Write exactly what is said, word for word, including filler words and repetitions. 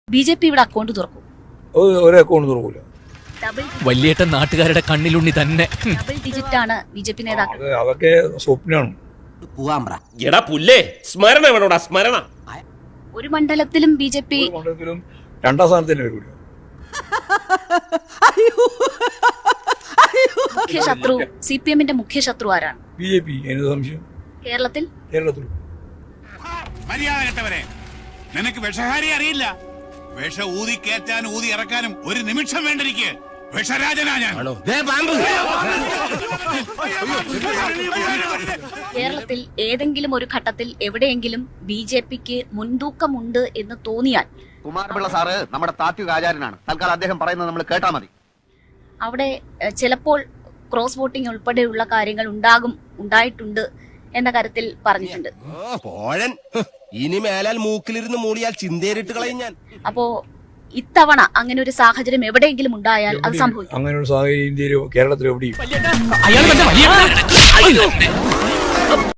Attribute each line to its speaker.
Speaker 1: B J P ഇവിടെ account തുറക്കും?
Speaker 2: ഒരു അക്കൗണ്ട് തുറക്കൂല.
Speaker 3: വലിയേട്ടൻ നാട്ടുകാരുടെ കണ്ണിലുണ്ണി തന്നെ.
Speaker 1: ഡബിൾ ഡിജിറ്റ് ആണ് ബി ജെ പി നേതാക്കൾ.
Speaker 2: അതൊക്കെ സ്വപ്നമാണ്.
Speaker 4: സ്മരണ
Speaker 1: ഒരു മണ്ഡലത്തിലും ബി ജെ പി
Speaker 2: മണ്ഡലത്തിലും രണ്ടാം സ്ഥാനത്തിന് വരില്ല.
Speaker 1: മുഖ്യ ശത്രു സി പി എമ്മിന്റെ മുഖ്യ ശത്രു ആരാണ്?
Speaker 2: B J P. എന്ത് സംശയം?
Speaker 1: കേരളത്തിൽ
Speaker 2: കേരളത്തിൽ
Speaker 5: മര്യാദ കെട്ടവരെ, നിനക്ക് വിഷഹാരി അറിയില്ല. വിഷ ഊതി കയറ്റാനും ഊതി ഇറക്കാനും ഒരു നിമിഷം വേണ്ടിരിക്കെ വിഷരാജനാ ഞാൻ.
Speaker 1: കേരളത്തിൽ ഏതെങ്കിലും ഒരു ഘട്ടത്തിൽ എവിടെയെങ്കിലും ബി ജെ പിക്ക് മുൻതൂക്കമുണ്ട് എന്ന് തോന്നിയാൽ,
Speaker 6: കുമാരപിള്ള സാറ് നമ്മുടെ താത്വിക ആചാര്യനാണ്, തൽക്കാലം അദ്ദേഹം പറയുന്നത് നമ്മൾ കേട്ടാ മതി.
Speaker 1: അവിടെ ചിലപ്പോൾ ക്രോസ് വോട്ടിംഗ് ഉൾപ്പെടെയുള്ള കാര്യങ്ങൾ ഉണ്ടാകും, ഉണ്ടായിട്ടുണ്ട് എന്ന കാര്യത്തിൽ പറഞ്ഞിട്ടുണ്ട്.
Speaker 4: ഇനി മേലാൽ മൂക്കിലിരുന്ന് മൂളിയാൽ ചിന്തേറിട്ട് കളയും ഞാൻ.
Speaker 1: അപ്പോ ഇത്തവണ അങ്ങനെ ഒരു സാഹചര്യം എവിടെയെങ്കിലും ഉണ്ടായാൽ അത് സംഭവിക്കും.
Speaker 2: അങ്ങനെ ഒരു സാഹചര്യം ഇന്ത്യയിൽ കേരളത്തിൽ എവിടെയും
Speaker 3: അയാൾ